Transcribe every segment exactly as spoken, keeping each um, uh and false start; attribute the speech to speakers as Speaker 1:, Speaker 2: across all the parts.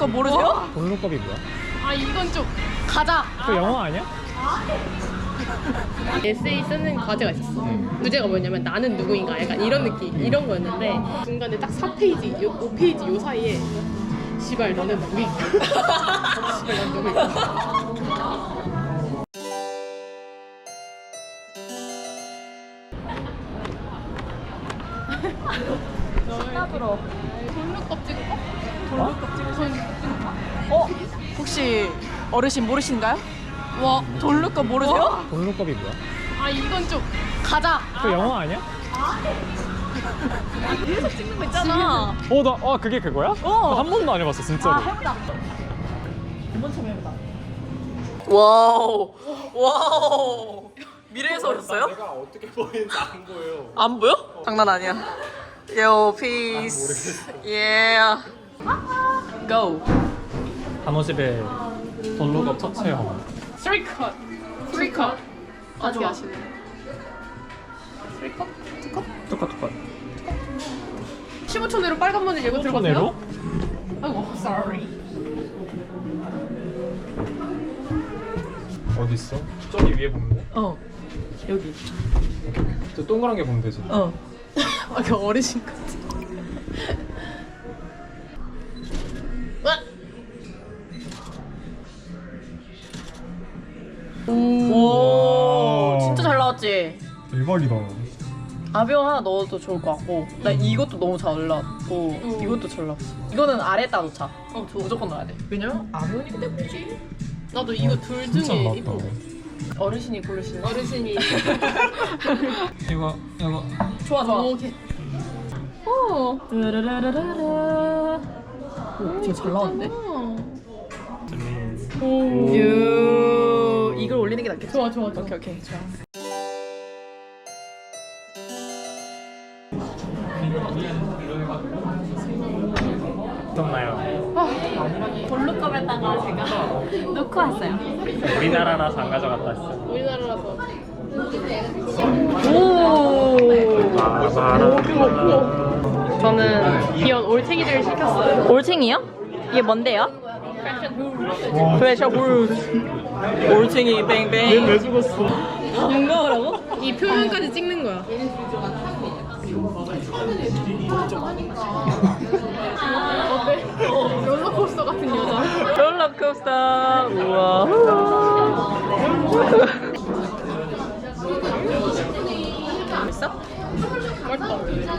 Speaker 1: 모르세요?
Speaker 2: 볼록컵이 뭐야?
Speaker 3: 아 이건 좀 가자.
Speaker 2: 그 영화 아니야?
Speaker 3: 에세이 쓰는 과제가 있었어. 주제가 뭐냐면 나는 누구인가 약간 이런 느낌 이런 거였는데 중간에 딱 사 페이지, 요, 오 페이지 요 사이에 시발 너는 누구인가? 시발 난 누구인가?
Speaker 1: 신나들어.
Speaker 3: 돌루껍 찍을까? 돌루껍 찍을까?
Speaker 1: 어? 혹시 어르신 모르신가요?
Speaker 3: 와
Speaker 1: 돌루꺼 모르세요?
Speaker 2: 볼록컵이 뭐야?
Speaker 3: 아 이건 좀 가자.
Speaker 2: 그 영화 아니야?
Speaker 1: 계속 찍는 거 있잖아.
Speaker 2: 어, 나, 아, 그게 그거야?
Speaker 1: 어.
Speaker 2: 한 번도 안 해봤어, 진짜로.
Speaker 1: 아 해보자. 이번 처음 해보자. 와우. 와우. 미래에서 오셨어요?
Speaker 2: 내가 어떻게 보이는지 안 보여.
Speaker 1: 안 보여? 장난 아니야. 요 피스. 예. 고.
Speaker 2: 단호집에 볼록컵 첫 체험.
Speaker 3: 쓰리 컷. 쓰리 컷. 어떻게 하시네? 쓰리 컷? 투 컷?
Speaker 2: 똑같, 똑같.
Speaker 3: 십오 초 내로 빨간 머리 예고
Speaker 2: 초
Speaker 3: 들어가세요?
Speaker 2: 내로?
Speaker 3: 아이고, sorry.
Speaker 2: 어디 있어? 저기 위에 보면 돼?
Speaker 1: 어. 여기.
Speaker 2: 저 동그란 게 보면 되지.
Speaker 1: 어.
Speaker 3: 아, 그 어르신 같아.
Speaker 1: 오. 진짜 잘 나왔지?
Speaker 2: 대박이다.
Speaker 1: 아비오 하나 넣어도 좋을 것 같고 나 이것도 너무 잘 나왔고
Speaker 3: 음.
Speaker 1: 이것도 잘 나왔어. 이거는 아래에다 놓자.
Speaker 3: 어, 좋아.
Speaker 1: 무조건 넣어야 돼. 왜냐면 아비오니까 예쁘지.
Speaker 3: 나도 이거 둘
Speaker 2: 진짜
Speaker 3: 중에
Speaker 2: 나왔다.
Speaker 3: 이뻐.
Speaker 1: 어르신이 고르시는.
Speaker 3: 어르신이.
Speaker 2: 이거, 이거.
Speaker 1: 좋아 좋아.
Speaker 3: 오케이. 오.
Speaker 1: 르르르르르르. 오, 진짜 잘 나왔는데?
Speaker 3: 오.
Speaker 1: 유. 이걸 올리는 게 낫겠지?
Speaker 3: 좋아, 좋아, 좋아.
Speaker 1: 오케이 오케이 좋아.
Speaker 2: 어떻나요?
Speaker 4: 볼루컵에다가 제가 넣고 왔어요.
Speaker 2: 우리나라라서 안 가져갔다 왔어.
Speaker 3: 우리나라라서.
Speaker 1: 오.
Speaker 2: 아,
Speaker 3: 저는 귀여운 올챙이들을 시켰어요.
Speaker 1: 올챙이요? 이게 뭔데요? 프레셔 후르츠. 올챙이 뱅뱅.
Speaker 2: 왜 죽었어?
Speaker 1: 뭔가라고?
Speaker 3: 이 표면까지 찍는 거야. 어때? 롤러코스터 같은 여자.
Speaker 1: 롤러코스터. 우와. 맛있어?
Speaker 3: 맛있다.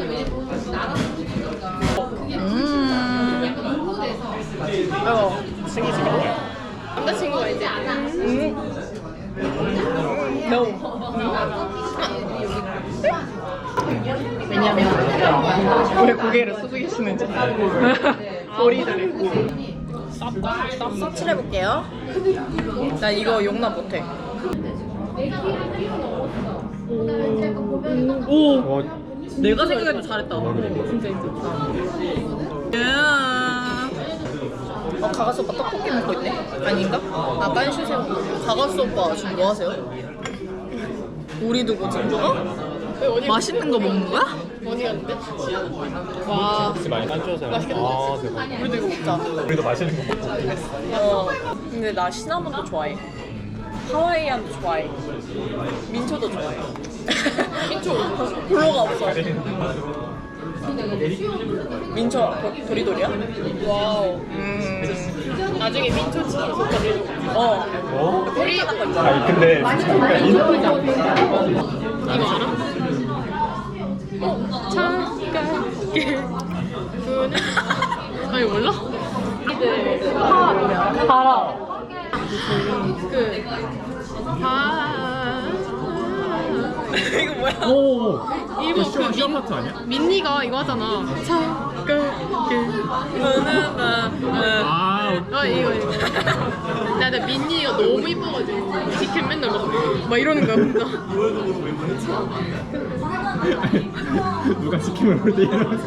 Speaker 1: 음. 어.
Speaker 2: 승희 지금 뭐야?
Speaker 3: 남자친구가 이제
Speaker 1: No. 왜냐면 왜 고개를 숙이시는지. 머리들이. 서치를 해볼게요. 나 이거 용납 못해. 오.
Speaker 2: 어,
Speaker 1: 내가 생각해도 잘했다.
Speaker 3: 진짜 진짜.
Speaker 1: 어, 가가스 오빠 떡볶이 먹고 있네? 아닌가? 아, 깐슈새우. 가가스 오빠 지금 뭐 하세요? 우리 두고 지금 어?
Speaker 3: 왜 어디
Speaker 1: 맛있는 거 먹는 거야?
Speaker 3: 어디 갔는데? 와.
Speaker 2: 혹시 많이 딴줘서
Speaker 3: 맛있겠다.
Speaker 2: 아, 대박.
Speaker 1: 우리도 이거 먹자.
Speaker 2: 우리도 맛있는 거 먹자.
Speaker 1: 어. 근데 나 시나몬도 좋아해. 하와이안도 좋아해. 민초도 좋아해.
Speaker 3: 민초.
Speaker 1: 블로가 없어. 민초 도- 도리도리야?
Speaker 3: 와우.
Speaker 1: 음.
Speaker 3: 나중에 민초 치킨 솥까지
Speaker 1: 어.
Speaker 2: 어?
Speaker 1: 우리
Speaker 2: 아니, 근데 잠깐
Speaker 3: 이거 알아? 어, 차갑게 그는 아니 몰라?
Speaker 1: 달아.
Speaker 3: 그 아.
Speaker 1: 이거 뭐야?
Speaker 2: 오!
Speaker 3: 이거
Speaker 2: 쇼,
Speaker 3: 그
Speaker 2: 쇼
Speaker 3: 민,
Speaker 2: 파트 아니야?
Speaker 3: 민니가 이거 하잖아. 차갑게.
Speaker 2: 아,
Speaker 3: 아 이거 이거. 나 근데 민니가 너무 이뻐가지고 직캠 맨날 막, 막 이러는 거야 혼자.
Speaker 2: 누가 치킨을 올 때 이러면서.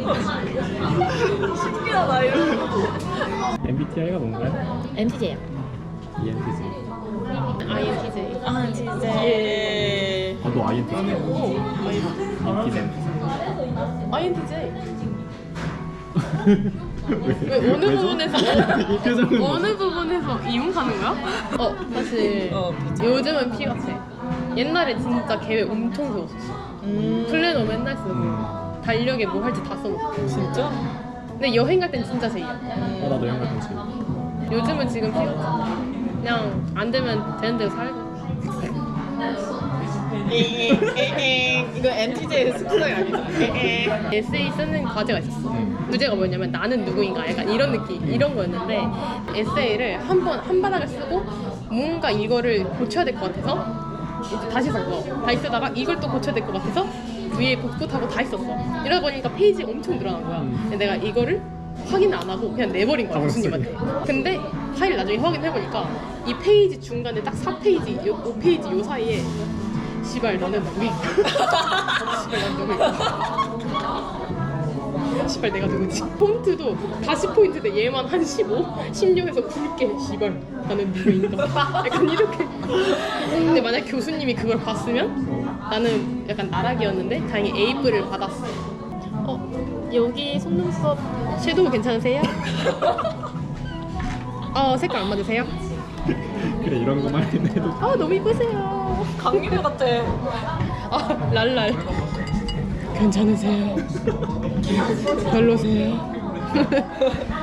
Speaker 1: 신기하다 이거.
Speaker 2: 엠비티아이가 뭔가요?
Speaker 4: 엠티제요.
Speaker 2: 이엔티지.
Speaker 3: 아이엔티제이.
Speaker 4: 아 진짜.
Speaker 1: 예.
Speaker 2: 아, 너 아이엔티지야? 인티젠.
Speaker 3: 아이엔티제이. 왜 어느 부분에서
Speaker 2: 이 표정은
Speaker 3: 어느 부분에서 이용하는 거야? 어 사실
Speaker 1: 어,
Speaker 3: 요즘은 피 같아. 옛날에 진짜 계획 엄청 세웠었어.
Speaker 1: 음.
Speaker 3: 플래너 맨날 쓰고
Speaker 2: 음.
Speaker 3: 달력에 뭐 할지 다 써놓고.
Speaker 1: 진짜?
Speaker 3: 근데 여행 갈 땐 진짜 제이야.
Speaker 2: 어, 나도 영화 같지.
Speaker 3: 요즘은 지금 피 같아. 그냥 안 되면 되는 대로 살고.
Speaker 1: 이거 엠티제이 습성이 아니죠?
Speaker 3: 에세이 쓰는 과제가 있었어.
Speaker 2: 음.
Speaker 3: 주제가 뭐냐면 나는 누구인가 약간 이런 느낌 이런 거였는데 에세이를 한 번 한 바닥을 쓰고 뭔가 이거를 고쳐야 될 것 같아서 이제 다시 썼어. 다시 쓰다가 이걸 또 고쳐야 될 것 같아서 위에 복붙하고 다 했었어. 이러다 보니까 페이지 엄청 늘어난 거야.
Speaker 2: 음.
Speaker 3: 근데 내가 이거를 확인 안 하고 그냥 내버린 거야
Speaker 2: 아,
Speaker 3: 교수님한테. 근데 파일 나중에 확인해보니까 이 페이지 중간에 딱 사 페이지, 요, 오 페이지 요 사이에 시발 너는 누구인가? 시발 난 누구인가? 시발 내가 누구지? 폰트도 다시 포인트인데 얘만 한 십오? 십육에서 굵게 시발 나는 누구인가? 약간 이렇게. 근데 만약 교수님이 그걸 봤으면 나는 약간 나락이었는데 다행히 에이프를 받았어. 어 여기 속눈썹 섀도우 괜찮으세요? 어 색깔 안 맞으세요?
Speaker 2: 그래 이런 거만 해도
Speaker 3: 아 너무 이쁘세요.
Speaker 1: 강기대 같아.
Speaker 3: 아 랄랄 괜찮으세요? 별로세요?